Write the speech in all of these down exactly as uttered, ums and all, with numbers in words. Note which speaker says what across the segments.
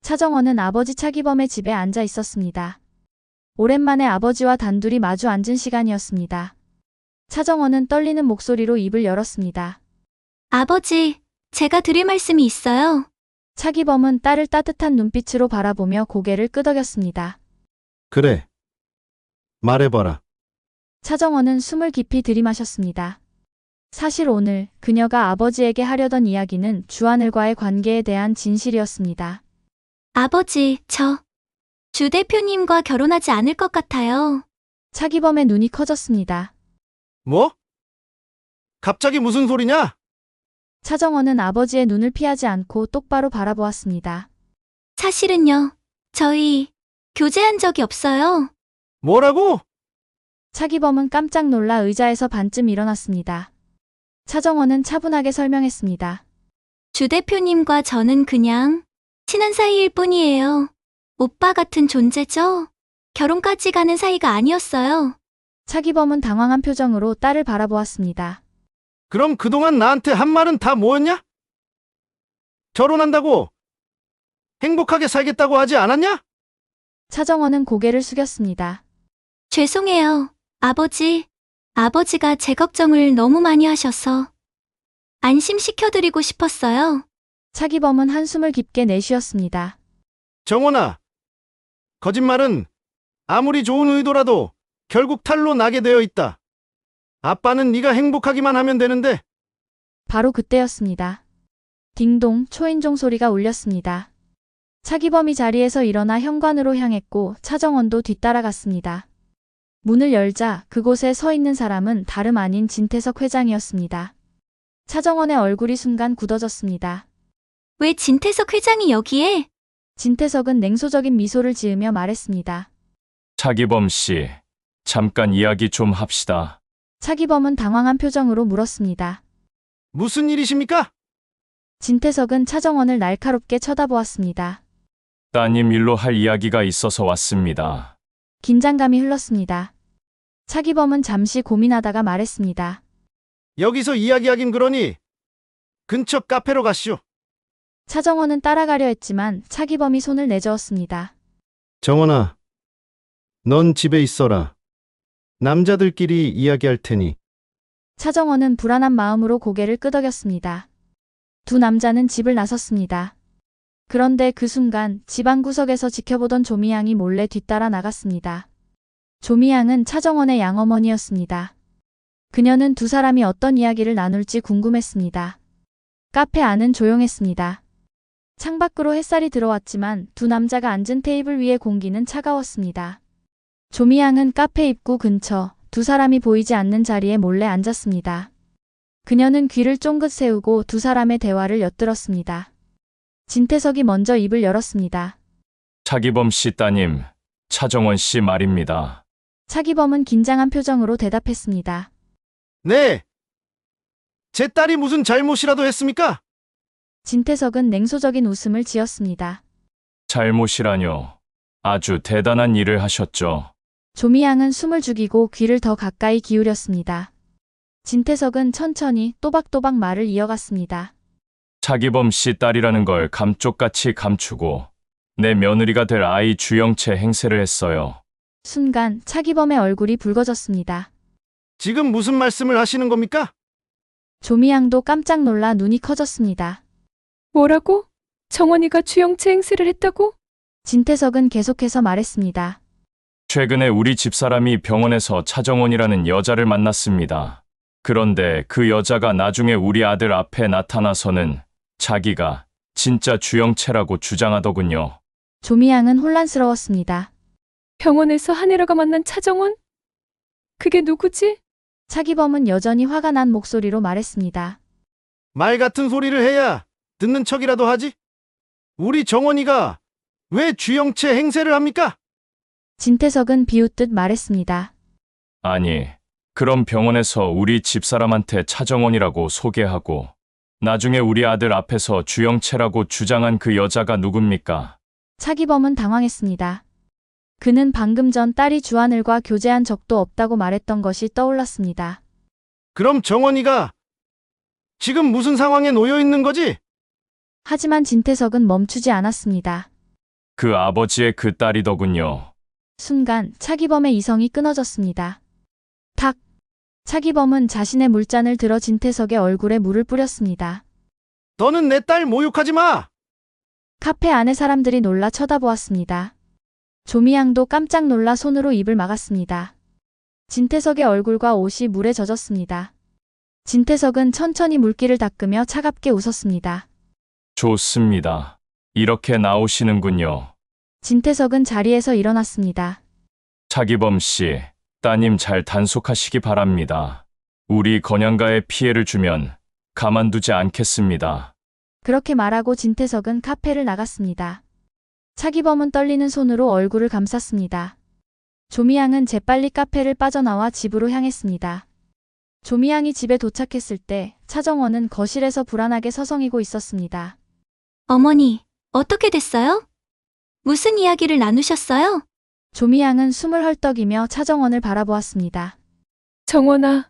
Speaker 1: 차정원은 아버지 차기범의 집에 앉아 있었습니다. 오랜만에 아버지와 단둘이 마주 앉은 시간이었습니다. 차정원은 떨리는 목소리로 입을 열었습니다.
Speaker 2: 아버지, 제가 드릴 말씀이 있어요.
Speaker 1: 차기범은 딸을 따뜻한 눈빛으로 바라보며 고개를 끄덕였습니다.
Speaker 3: 그래. 말해봐라.
Speaker 1: 차정원은 숨을 깊이 들이마셨습니다. 사실 오늘 그녀가 아버지에게 하려던 이야기는 주하늘과의 관계에 대한 진실이었습니다.
Speaker 2: 아버지, 저 주 대표님과 결혼하지 않을 것 같아요.
Speaker 1: 차기범의 눈이 커졌습니다.
Speaker 3: 뭐? 갑자기 무슨 소리냐?
Speaker 1: 차정원은 아버지의 눈을 피하지 않고 똑바로 바라보았습니다.
Speaker 2: 사실은요, 저희 교제한 적이 없어요.
Speaker 3: 뭐라고?
Speaker 1: 차기범은 깜짝 놀라 의자에서 반쯤 일어났습니다. 차정원은 차분하게 설명했습니다.
Speaker 2: 주 대표님과 저는 그냥 친한 사이일 뿐이에요. 오빠 같은 존재죠? 결혼까지 가는 사이가 아니었어요.
Speaker 1: 차기범은 당황한 표정으로 딸을 바라보았습니다.
Speaker 3: 그럼 그동안 나한테 한 말은 다 뭐였냐? 결혼한다고? 행복하게 살겠다고 하지 않았냐?
Speaker 1: 차정원은 고개를 숙였습니다.
Speaker 2: 죄송해요, 아버지. 아버지가 제 걱정을 너무 많이 하셔서 안심시켜드리고 싶었어요.
Speaker 1: 차기범은 한숨을 깊게 내쉬었습니다.
Speaker 3: 정원아, 거짓말은 아무리 좋은 의도라도 결국 탈로 나게 되어 있다. 아빠는 네가 행복하기만 하면 되는데.
Speaker 1: 바로 그때였습니다. 딩동 초인종 소리가 울렸습니다. 차기범이 자리에서 일어나 현관으로 향했고 차정원도 뒤따라갔습니다. 문을 열자 그곳에 서 있는 사람은 다름 아닌 진태석 회장이었습니다. 차정원의 얼굴이 순간 굳어졌습니다.
Speaker 2: 왜 진태석 회장이 여기에?
Speaker 1: 진태석은 냉소적인 미소를 지으며 말했습니다.
Speaker 4: 차기범 씨, 잠깐 이야기 좀 합시다.
Speaker 1: 차기범은 당황한 표정으로 물었습니다.
Speaker 3: 무슨 일이십니까?
Speaker 1: 진태석은 차정원을 날카롭게 쳐다보았습니다.
Speaker 4: 따님 일로 할 이야기가 있어서 왔습니다.
Speaker 1: 긴장감이 흘렀습니다. 차기범은 잠시 고민하다가 말했습니다.
Speaker 3: 여기서 이야기하긴 그러니 근처 카페로 가시오.
Speaker 1: 차정원은 따라가려 했지만 차기범이 손을 내저었습니다.
Speaker 3: 정원아, 넌 집에 있어라. 남자들끼리 이야기할 테니.
Speaker 1: 차정원은 불안한 마음으로 고개를 끄덕였습니다. 두 남자는 집을 나섰습니다. 그런데 그 순간 집 안구석에서 지켜보던 조미양이 몰래 뒤따라 나갔습니다. 조미양은 차정원의 양어머니였습니다. 그녀는 두 사람이 어떤 이야기를 나눌지 궁금했습니다. 카페 안은 조용했습니다. 창밖으로 햇살이 들어왔지만 두 남자가 앉은 테이블 위의 공기는 차가웠습니다. 조미양은 카페 입구 근처 두 사람이 보이지 않는 자리에 몰래 앉았습니다. 그녀는 귀를 쫑긋 세우고 두 사람의 대화를 엿들었습니다. 진태석이 먼저 입을 열었습니다.
Speaker 4: 차기범 씨 따님, 차정원 씨 말입니다.
Speaker 1: 차기범은 긴장한 표정으로 대답했습니다.
Speaker 3: 네. 제 딸이 무슨 잘못이라도 했습니까?
Speaker 1: 진태석은 냉소적인 웃음을 지었습니다.
Speaker 4: 잘못이라뇨. 아주 대단한 일을 하셨죠.
Speaker 1: 조미양은 숨을 죽이고 귀를 더 가까이 기울였습니다. 진태석은 천천히 또박또박 말을 이어갔습니다.
Speaker 4: 차기범 씨 딸이라는 걸 감쪽같이 감추고 내 며느리가 될 아이 주영채 행세를 했어요.
Speaker 1: 순간 차기범의 얼굴이 붉어졌습니다.
Speaker 3: 지금 무슨 말씀을 하시는 겁니까?
Speaker 1: 조미양도 깜짝 놀라 눈이 커졌습니다.
Speaker 5: 뭐라고? 정원이가 주영채 행세를 했다고?
Speaker 1: 진태석은 계속해서 말했습니다.
Speaker 4: 최근에 우리 집사람이 병원에서 차정원이라는 여자를 만났습니다. 그런데 그 여자가 나중에 우리 아들 앞에 나타나서는 자기가 진짜 주영채라고 주장하더군요.
Speaker 1: 조미양은 혼란스러웠습니다.
Speaker 5: 병원에서 한혜라가 만난 차정원? 그게 누구지?
Speaker 1: 차기범은 여전히 화가 난 목소리로 말했습니다.
Speaker 3: 말 같은 소리를 해야 듣는 척이라도 하지? 우리 정원이가 왜 주영채 행세를 합니까?
Speaker 1: 진태석은 비웃듯 말했습니다.
Speaker 4: 아니, 그럼 병원에서 우리 집사람한테 차정원이라고 소개하고 나중에 우리 아들 앞에서 주영채라고 주장한 그 여자가 누굽니까?
Speaker 1: 차기범은 당황했습니다. 그는 방금 전 딸이 주하늘과 교제한 적도 없다고 말했던 것이 떠올랐습니다.
Speaker 3: 그럼 정원이가 지금 무슨 상황에 놓여 있는 거지?
Speaker 1: 하지만 진태석은 멈추지 않았습니다.
Speaker 4: 그 아버지의 그 딸이더군요.
Speaker 1: 순간 차기범의 이성이 끊어졌습니다. 탁! 차기범은 자신의 물잔을 들어 진태석의 얼굴에 물을 뿌렸습니다.
Speaker 3: 너는 내 딸 모욕하지 마!
Speaker 1: 카페 안의 사람들이 놀라 쳐다보았습니다. 조미양도 깜짝 놀라 손으로 입을 막았습니다. 진태석의 얼굴과 옷이 물에 젖었습니다. 진태석은 천천히 물기를 닦으며 차갑게 웃었습니다.
Speaker 4: 좋습니다. 이렇게 나오시는군요.
Speaker 1: 진태석은 자리에서 일어났습니다.
Speaker 4: 차기범 씨, 따님 잘 단속하시기 바랍니다. 우리 건양가에 피해를 주면 가만두지 않겠습니다.
Speaker 1: 그렇게 말하고 진태석은 카페를 나갔습니다. 차기범은 떨리는 손으로 얼굴을 감쌌습니다. 조미양은 재빨리 카페를 빠져나와 집으로 향했습니다. 조미양이 집에 도착했을 때 차정원은 거실에서 불안하게 서성이고 있었습니다.
Speaker 2: 어머니, 어떻게 됐어요? 무슨 이야기를 나누셨어요?
Speaker 1: 조미양은 숨을 헐떡이며 차정원을 바라보았습니다.
Speaker 5: 정원아,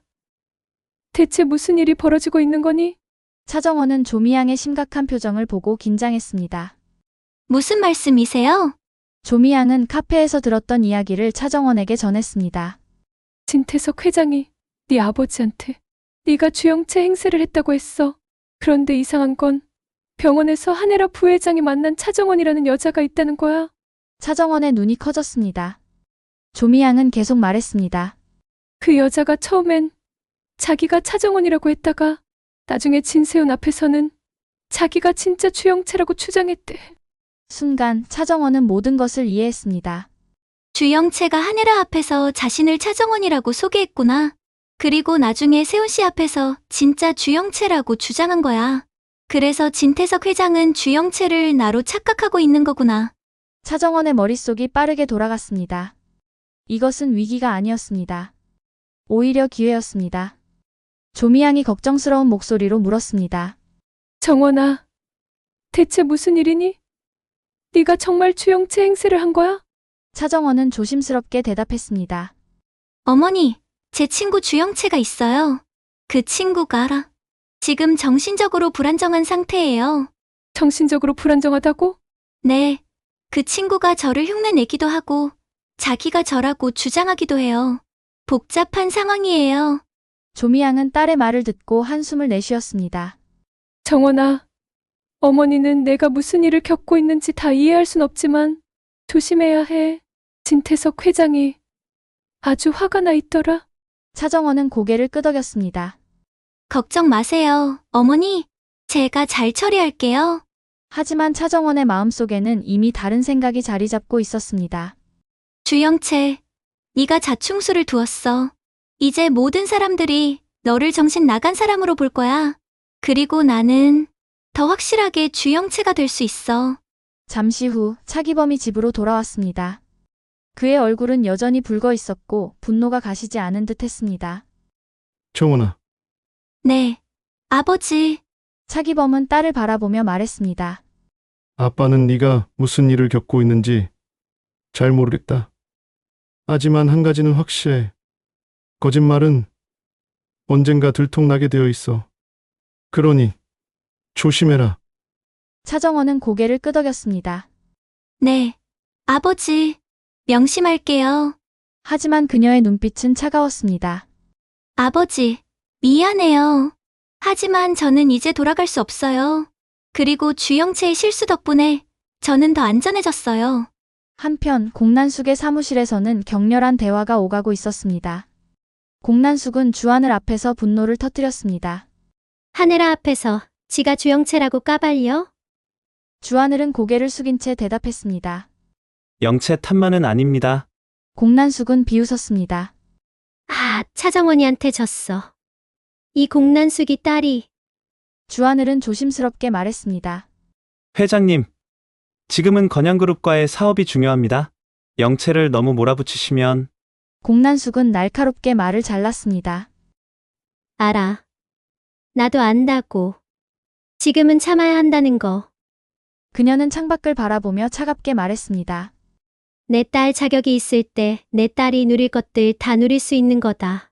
Speaker 5: 대체 무슨 일이 벌어지고 있는 거니?
Speaker 1: 차정원은 조미양의 심각한 표정을 보고 긴장했습니다.
Speaker 2: 무슨 말씀이세요?
Speaker 1: 조미양은 카페에서 들었던 이야기를 차정원에게 전했습니다.
Speaker 5: 진태석 회장이 네 아버지한테 네가 주영채 행세를 했다고 했어. 그런데 이상한 건 병원에서 한혜라 부회장이 만난 차정원이라는 여자가 있다는 거야.
Speaker 1: 차정원의 눈이 커졌습니다. 조미양은 계속 말했습니다.
Speaker 5: 그 여자가 처음엔 자기가 차정원이라고 했다가 나중에 진세훈 앞에서는 자기가 진짜 주영채라고 주장했대.
Speaker 1: 순간 차정원은 모든 것을 이해했습니다.
Speaker 2: 주영채가 한혜라 앞에서 자신을 차정원이라고 소개했구나. 그리고 나중에 세훈 씨 앞에서 진짜 주영채라고 주장한 거야. 그래서 진태석 회장은 주영채를 나로 착각하고 있는 거구나.
Speaker 1: 차정원의 머릿속이 빠르게 돌아갔습니다. 이것은 위기가 아니었습니다. 오히려 기회였습니다. 조미양이 걱정스러운 목소리로 물었습니다.
Speaker 5: 정원아, 대체 무슨 일이니? 네가 정말 주영채 행세를 한 거야?
Speaker 1: 차정원은 조심스럽게 대답했습니다.
Speaker 2: 어머니, 제 친구 주영채가 있어요. 그 친구가 알아. 지금 정신적으로 불안정한 상태예요.
Speaker 5: 정신적으로 불안정하다고?
Speaker 2: 네, 그 친구가 저를 흉내내기도 하고 자기가 저라고 주장하기도 해요. 복잡한 상황이에요.
Speaker 1: 조미양은 딸의 말을 듣고 한숨을 내쉬었습니다.
Speaker 5: 정원아, 어머니는 내가 무슨 일을 겪고 있는지 다 이해할 순 없지만 조심해야 해. 진태석 회장이 아주 화가 나 있더라.
Speaker 1: 차정원은 고개를 끄덕였습니다.
Speaker 2: 걱정 마세요, 어머니. 제가 잘 처리할게요.
Speaker 1: 하지만 차정원의 마음속에는 이미 다른 생각이 자리 잡고 있었습니다.
Speaker 2: 주영채, 네가 자충수를 두었어. 이제 모든 사람들이 너를 정신 나간 사람으로 볼 거야. 그리고 나는 더 확실하게 주영채가 될 수 있어.
Speaker 1: 잠시 후 차기범이 집으로 돌아왔습니다. 그의 얼굴은 여전히 붉어 있었고 분노가 가시지 않은 듯 했습니다.
Speaker 3: 정원아,
Speaker 2: 네, 아버지.
Speaker 1: 차기범은 딸을 바라보며 말했습니다.
Speaker 3: 아빠는 네가 무슨 일을 겪고 있는지 잘 모르겠다. 하지만 한 가지는 확실해. 거짓말은 언젠가 들통나게 되어 있어. 그러니 조심해라.
Speaker 1: 차정원은 고개를 끄덕였습니다.
Speaker 2: 네, 아버지. 명심할게요.
Speaker 1: 하지만 그녀의 눈빛은 차가웠습니다.
Speaker 2: 아버지, 미안해요. 하지만 저는 이제 돌아갈 수 없어요. 그리고 주영채의 실수 덕분에 저는 더 안전해졌어요.
Speaker 1: 한편 공난숙의 사무실에서는 격렬한 대화가 오가고 있었습니다. 공난숙은 주하늘 앞에서 분노를 터뜨렸습니다.
Speaker 6: 하늘아 앞에서 지가 주영채라고 까발려?
Speaker 1: 주하늘은 고개를 숙인 채 대답했습니다.
Speaker 7: 영채 탓만은 아닙니다.
Speaker 1: 공난숙은 비웃었습니다.
Speaker 6: 아, 차정원이한테 졌어. 이 공난숙이 딸이.
Speaker 1: 주하늘은 조심스럽게 말했습니다.
Speaker 7: 회장님, 지금은 건양그룹과의 사업이 중요합니다. 영채를 너무 몰아붙이시면
Speaker 1: 공난숙은 날카롭게 말을 잘랐습니다.
Speaker 6: 알아. 나도 안다고. 지금은 참아야 한다는 거.
Speaker 1: 그녀는 창밖을 바라보며 차갑게 말했습니다.
Speaker 6: 내 딸 자격이 있을 때 내 딸이 누릴 것들 다 누릴 수 있는 거다.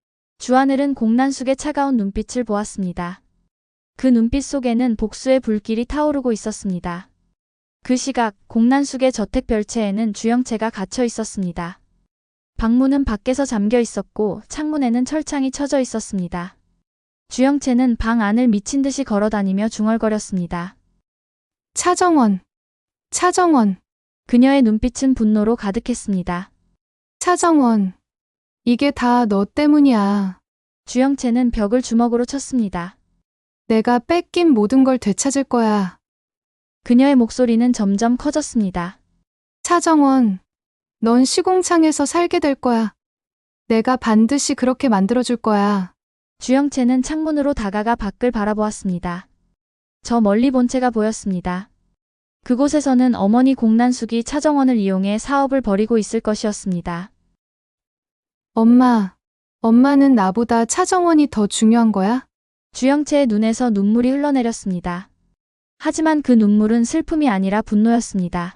Speaker 1: 주하늘은 공난숙의 차가운 눈빛을 보았습니다. 그 눈빛 속에는 복수의 불길이 타오르고 있었습니다. 그 시각 공난숙의 저택 별채에는 주영채가 갇혀 있었습니다. 방문은 밖에서 잠겨 있었고 창문에는 철창이 쳐져 있었습니다. 주영채는 방 안을 미친 듯이 걸어다니며 중얼거렸습니다.
Speaker 5: 차정원, 차정원,
Speaker 1: 그녀의 눈빛은 분노로 가득했습니다.
Speaker 5: 차정원. 이게 다 너 때문이야.
Speaker 1: 주영채는 벽을 주먹으로 쳤습니다.
Speaker 5: 내가 뺏긴 모든 걸 되찾을 거야.
Speaker 1: 그녀의 목소리는 점점 커졌습니다.
Speaker 5: 차정원, 넌 시공창에서 살게 될 거야. 내가 반드시 그렇게 만들어줄 거야.
Speaker 1: 주영채는 창문으로 다가가 밖을 바라보았습니다. 저 멀리 본체가 보였습니다. 그곳에서는 어머니 공난숙이 차정원을 이용해 사업을 벌이고 있을 것이었습니다.
Speaker 5: 엄마, 엄마는 나보다 차정원이 더 중요한 거야?
Speaker 1: 주영채의 눈에서 눈물이 흘러내렸습니다. 하지만 그 눈물은 슬픔이 아니라 분노였습니다.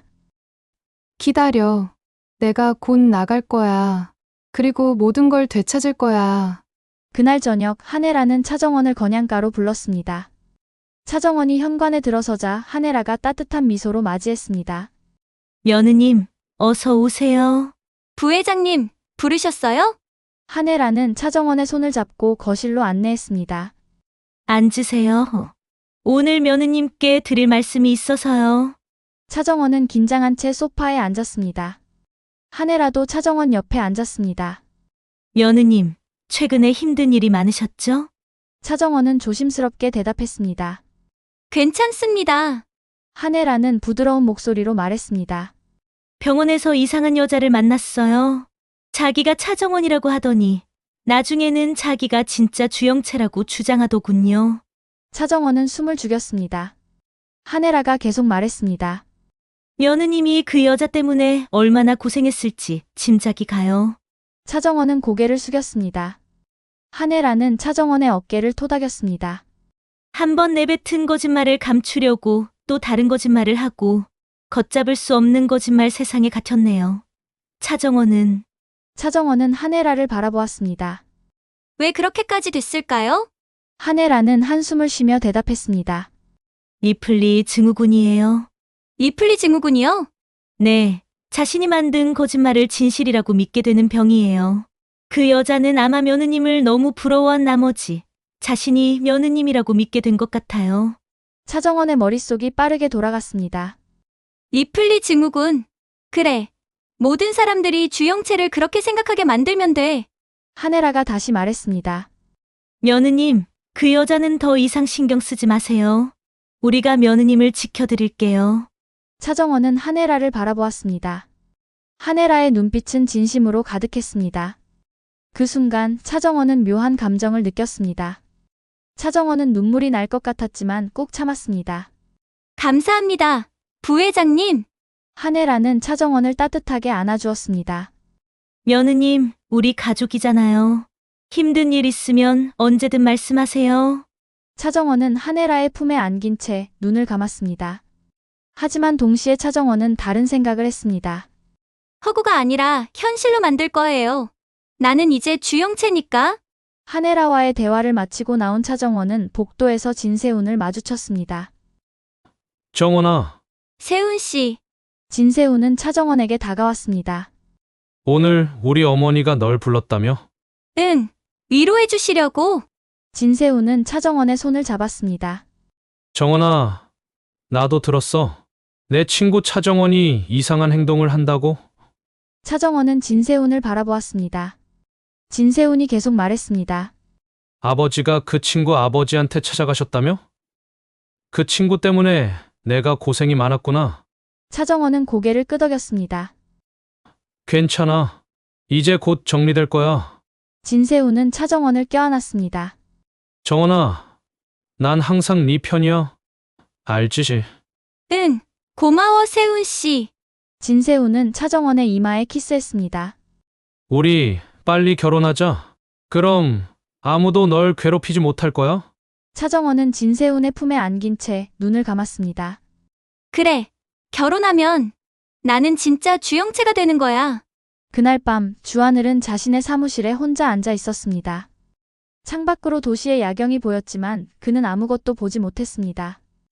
Speaker 5: 기다려. 내가 곧 나갈 거야. 그리고 모든 걸 되찾을 거야.
Speaker 1: 그날 저녁 한혜라는 차정원을 건양가로 불렀습니다. 차정원이 현관에 들어서자 한혜라가 따뜻한 미소로 맞이했습니다.
Speaker 2: 며느님, 어서 오세요. 부회장님, 부르셨어요?
Speaker 1: 한혜라는 차정원의 손을 잡고 거실로 안내했습니다.
Speaker 2: 앉으세요. 오늘 며느님께 드릴 말씀이 있어서요.
Speaker 1: 차정원은 긴장한 채 소파에 앉았습니다. 한혜라도 차정원 옆에 앉았습니다.
Speaker 2: 며느님, 최근에 힘든 일이 많으셨죠?
Speaker 1: 차정원은 조심스럽게 대답했습니다.
Speaker 2: 괜찮습니다.
Speaker 1: 한혜라는 부드러운 목소리로 말했습니다.
Speaker 2: 병원에서 이상한 여자를 만났어요. 자기가 차정원이라고 하더니 나중에는 자기가 진짜 주영채라고 주장하더군요.
Speaker 1: 차정원은 숨을 죽였습니다. 한혜라가 계속 말했습니다.
Speaker 2: 며느님이 그 여자 때문에 얼마나 고생했을지 짐작이 가요.
Speaker 1: 차정원은 고개를 숙였습니다. 한혜라는 차정원의 어깨를 토닥였습니다.
Speaker 2: 한 번 내뱉은 거짓말을 감추려고 또 다른 거짓말을 하고 걷잡을 수 없는 거짓말 세상에 갇혔네요. 차정원은
Speaker 1: 차정원은 한혜라를 바라보았습니다.
Speaker 2: 왜 그렇게까지 됐을까요?
Speaker 1: 한혜라는 한숨을 쉬며 대답했습니다.
Speaker 2: 이플리 증후군이에요. 이플리 증후군이요? 네, 자신이 만든 거짓말을 진실이라고 믿게 되는 병이에요. 그 여자는 아마 며느님을 너무 부러워한 나머지 자신이 며느님이라고 믿게 된 것 같아요.
Speaker 1: 차정원의 머릿속이 빠르게 돌아갔습니다.
Speaker 2: 이플리 증후군. 그래. 모든 사람들이 주영채를 그렇게 생각하게 만들면 돼.
Speaker 1: 한혜라가 다시 말했습니다.
Speaker 2: 며느님, 그 여자는 더 이상 신경 쓰지 마세요. 우리가 며느님을 지켜드릴게요.
Speaker 1: 차정원은 한혜라를 바라보았습니다. 한혜라의 눈빛은 진심으로 가득했습니다. 그 순간 차정원은 묘한 감정을 느꼈습니다. 차정원은 눈물이 날 것 같았지만 꾹 참았습니다.
Speaker 2: 감사합니다. 부회장님.
Speaker 1: 한혜라는 차정원을 따뜻하게 안아주었습니다.
Speaker 2: 며느님, 우리 가족이잖아요. 힘든 일 있으면 언제든 말씀하세요.
Speaker 1: 차정원은 한혜라의 품에 안긴 채 눈을 감았습니다. 하지만 동시에 차정원은 다른 생각을 했습니다.
Speaker 2: 허구가 아니라 현실로 만들 거예요. 나는 이제 주영채니까.
Speaker 1: 한혜라와의 대화를 마치고 나온 차정원은 복도에서 진세훈을 마주쳤습니다.
Speaker 7: 정원아,
Speaker 2: 세훈 씨.
Speaker 1: 진세훈은 차정원에게 다가왔습니다.
Speaker 7: 오늘 우리 어머니가 널 불렀다며?
Speaker 2: 응, 위로해 주시려고.
Speaker 1: 진세훈은 차정원의 손을 잡았습니다.
Speaker 7: 정원아, 나도 들었어. 내 친구 차정원이 이상한 행동을 한다고?
Speaker 1: 차정원은 진세훈을 바라보았습니다. 진세훈이 계속 말했습니다.
Speaker 7: 아버지가 그 친구 아버지한테 찾아가셨다며? 그 친구 때문에 내가 고생이 많았구나.
Speaker 1: 차정원은 고개를 끄덕였습니다.
Speaker 7: 괜찮아. 이제 곧 정리될 거야.
Speaker 1: 진세훈은 차정원을 껴안았습니다.
Speaker 7: 정원아, 난 항상 네 편이야. 알지?
Speaker 2: 응, 고마워 세훈 씨.
Speaker 1: 진세훈은 차정원의 이마에 키스했습니다.
Speaker 7: 우리 빨리 결혼하자. 그럼 아무도 널 괴롭히지 못할 거야?
Speaker 1: 차정원은 진세훈의 품에 안긴 채 눈을 감았습니다.
Speaker 2: 그래, 결혼하면 나는 진짜 주영채가 되는 거야.
Speaker 1: 그날 밤 주하늘은 자신의 사무실에 혼자 앉아 있었습니다. 창밖으로 도시의 야경이 보였지만 그는 아무것도 보지 못했습니다.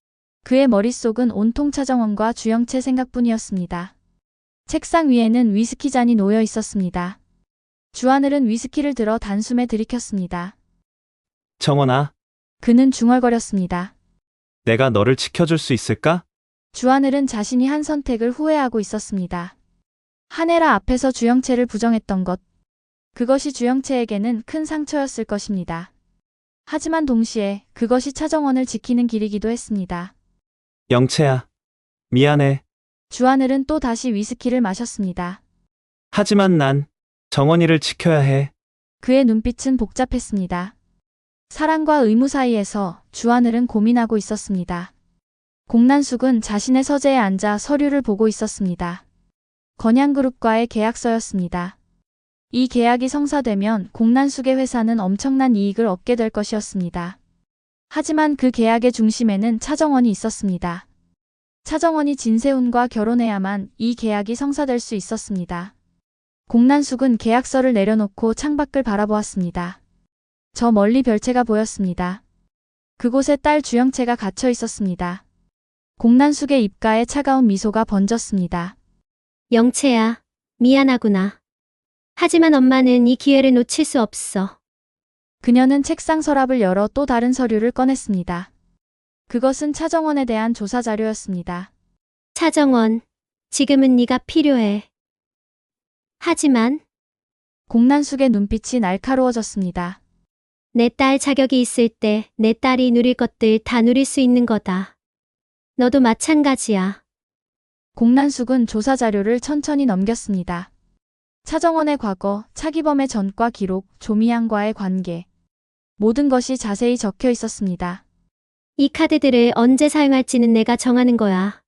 Speaker 1: 그의 머릿속은 온통 차정원과 주영채 생각뿐이었습니다. 책상 위에는 위스키 잔이 놓여 있었습니다. 주하늘은 위스키를 들어 단숨에 들이켰습니다.
Speaker 8: 정원아,
Speaker 1: 그는 중얼거렸습니다.
Speaker 8: 내가 너를 지켜줄 수 있을까?
Speaker 1: 주하늘은 자신이 한 선택을 후회하고 있었습니다. 한혜라 앞에서 주영채를 부정했던 것, 그것이 주영채에게는 큰 상처였을 것입니다. 하지만 동시에 그것이 차정원을 지키는 길이기도 했습니다.
Speaker 8: 영채야, 미안해.
Speaker 1: 주하늘은 또 다시 위스키를 마셨습니다.
Speaker 8: 하지만 난 정원이를 지켜야 해.
Speaker 1: 그의 눈빛은 복잡했습니다. 사랑과 의무 사이에서 주하늘은 고민하고 있었습니다. 공난숙은 자신의 서재에 앉아 서류를 보고 있었습니다. 건양그룹과의 계약서였습니다. 이 계약이 성사되면 공난숙의 회사는 엄청난 이익을 얻게 될 것이었습니다. 하지만 그 계약의 중심에는 차정원이 있었습니다. 차정원이 진세훈과 결혼해야만 이 계약이 성사될 수 있었습니다. 공난숙은 계약서를 내려놓고 창밖을 바라보았습니다. 저 멀리 별채가 보였습니다. 그곳에 딸 주영채가 갇혀 있었습니다. 공난숙의 입가에 차가운 미소가 번졌습니다.
Speaker 6: 영채야, 미안하구나. 하지만 엄마는 이 기회를 놓칠 수 없어.
Speaker 1: 그녀는 책상 서랍을 열어 또 다른 서류를 꺼냈습니다. 그것은 차정원에 대한 조사 자료였습니다.
Speaker 6: 차정원, 지금은 네가 필요해. 하지만
Speaker 1: 공난숙의 눈빛이 날카로워졌습니다.
Speaker 6: 내 딸 자격이 있을 때 내 딸이 누릴 것들 다 누릴 수 있는 거다. 너도 마찬가지야.
Speaker 1: 공난숙은 조사 자료를 천천히 넘겼습니다. 차정원의 과거, 차기범의 전과 기록, 조미양과의 관계. 모든 것이 자세히 적혀 있었습니다.
Speaker 6: 이 카드들을 언제 사용할지는 내가 정하는 거야.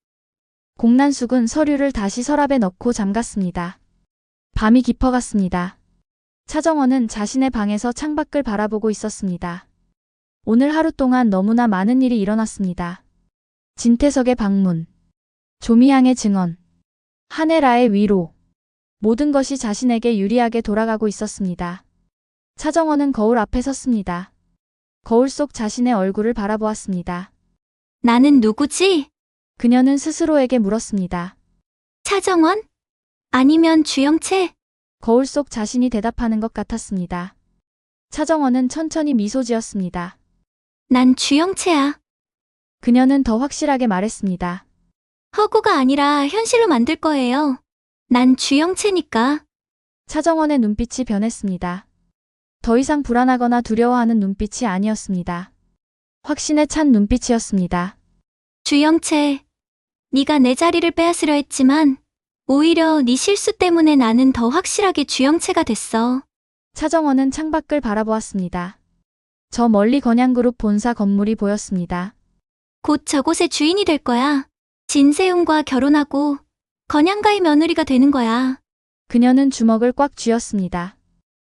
Speaker 1: 공난숙은 서류를 다시 서랍에 넣고 잠갔습니다. 밤이 깊어갔습니다. 차정원은 자신의 방에서 창밖을 바라보고 있었습니다. 오늘 하루 동안 너무나 많은 일이 일어났습니다. 진태석의 방문, 조미양의 증언, 한혜라의 위로. 모든 것이 자신에게 유리하게 돌아가고 있었습니다. 차정원은 거울 앞에 섰습니다. 거울 속 자신의 얼굴을 바라보았습니다.
Speaker 2: 나는 누구지?
Speaker 1: 그녀는 스스로에게 물었습니다.
Speaker 2: 차정원? 아니면 주영채?
Speaker 1: 거울 속 자신이 대답하는 것 같았습니다. 차정원은 천천히 미소 지었습니다.
Speaker 2: 난 주영채야.
Speaker 1: 그녀는 더 확실하게 말했습니다.
Speaker 2: 허구가 아니라 현실로 만들 거예요. 난 주영채니까.
Speaker 1: 차정원의 눈빛이 변했습니다. 더 이상 불안하거나 두려워하는 눈빛이 아니었습니다. 확신에 찬 눈빛이었습니다.
Speaker 2: 주영채, 네가 내 자리를 빼앗으려 했지만 오히려 네 실수 때문에 나는 더 확실하게 주영채가 됐어.
Speaker 1: 차정원은 창밖을 바라보았습니다. 저 멀리 건양그룹 본사 건물이 보였습니다.
Speaker 2: 곧 저곳의 주인이 될 거야. 진세훈과 결혼하고 건양가의 며느리가 되는 거야.
Speaker 1: 그녀는 주먹을 꽉 쥐었습니다.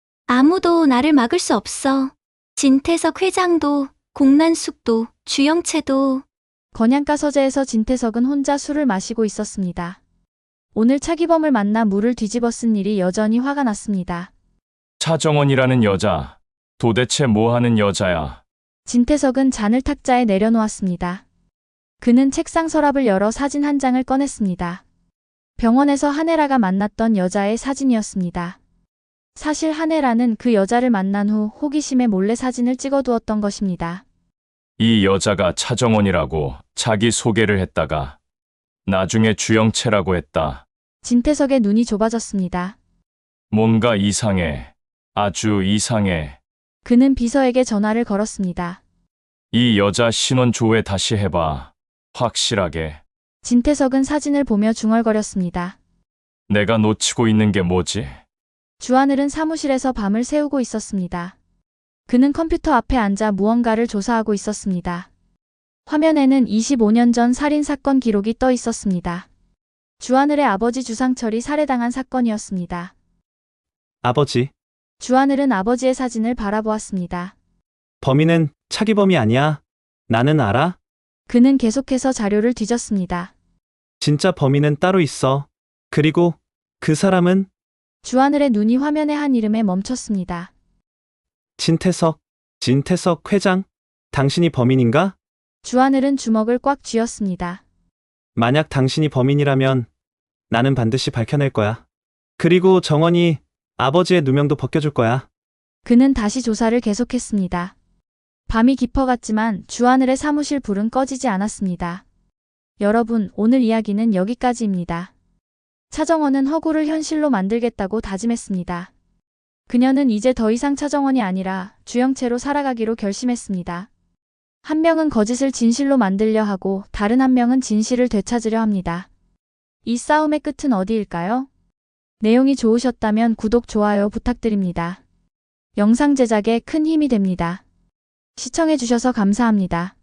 Speaker 2: 아무도 나를 막을 수 없어. 진태석 회장도, 공난숙도, 주영채도.
Speaker 1: 건양가 서재에서 진태석은 혼자 술을 마시고 있었습니다. 오늘 차기범을 만나 물을 뒤집어 쓴 일이 여전히 화가 났습니다.
Speaker 4: 차정원이라는 여자, 도대체 뭐 하는 여자야?
Speaker 1: 진태석은 잔을 탁자에 내려놓았습니다. 그는 책상 서랍을 열어 사진 한 장을 꺼냈습니다. 병원에서 한혜라가 만났던 여자의 사진이었습니다. 사실 한혜라는 그 여자를 만난 후 호기심에 몰래 사진을 찍어두었던 것입니다.
Speaker 4: 이 여자가 차정원이라고 자기 소개를 했다가 나중에 주영채라고 했다.
Speaker 1: 진태석의 눈이 좁아졌습니다.
Speaker 4: 뭔가 이상해. 아주 이상해.
Speaker 1: 그는 비서에게 전화를 걸었습니다.
Speaker 4: 이 여자 신원 조회 다시 해봐. 확실하게.
Speaker 1: 진태석은 사진을 보며 중얼거렸습니다.
Speaker 4: 내가 놓치고 있는 게 뭐지?
Speaker 1: 주하늘은 사무실에서 밤을 새우고 있었습니다. 그는 컴퓨터 앞에 앉아 무언가를 조사하고 있었습니다. 화면에는 이십오 년 전 살인사건 기록이 떠 있었습니다. 주하늘의 아버지 주상철이 살해당한 사건이었습니다.
Speaker 8: 아버지,
Speaker 1: 주하늘은 아버지의 사진을 바라보았습니다.
Speaker 8: 범인은 차기범이 아니야. 나는 알아.
Speaker 1: 그는 계속해서 자료를 뒤졌습니다.
Speaker 8: 진짜 범인은 따로 있어. 그리고 그 사람은
Speaker 1: 주하늘의 눈이 화면의 한 이름에 멈췄습니다.
Speaker 8: 진태석, 진태석 회장. 당신이 범인인가?
Speaker 1: 주하늘은 주먹을 꽉 쥐었습니다.
Speaker 8: 만약 당신이 범인이라면 나는 반드시 밝혀낼 거야. 그리고 정원이 아버지의 누명도 벗겨줄 거야.
Speaker 1: 그는 다시 조사를 계속했습니다. 밤이 깊어갔지만 주하늘의 사무실 불은 꺼지지 않았습니다. 여러분, 오늘 이야기는 여기까지입니다. 차정원은 허구를 현실로 만들겠다고 다짐했습니다. 그녀는 이제 더 이상 차정원이 아니라 주영채로 살아가기로 결심했습니다. 한 명은 거짓을 진실로 만들려 하고 다른 한 명은 진실을 되찾으려 합니다. 이 싸움의 끝은 어디일까요? 내용이 좋으셨다면 구독, 좋아요 부탁드립니다. 영상 제작에 큰 힘이 됩니다. 시청해주셔서 감사합니다.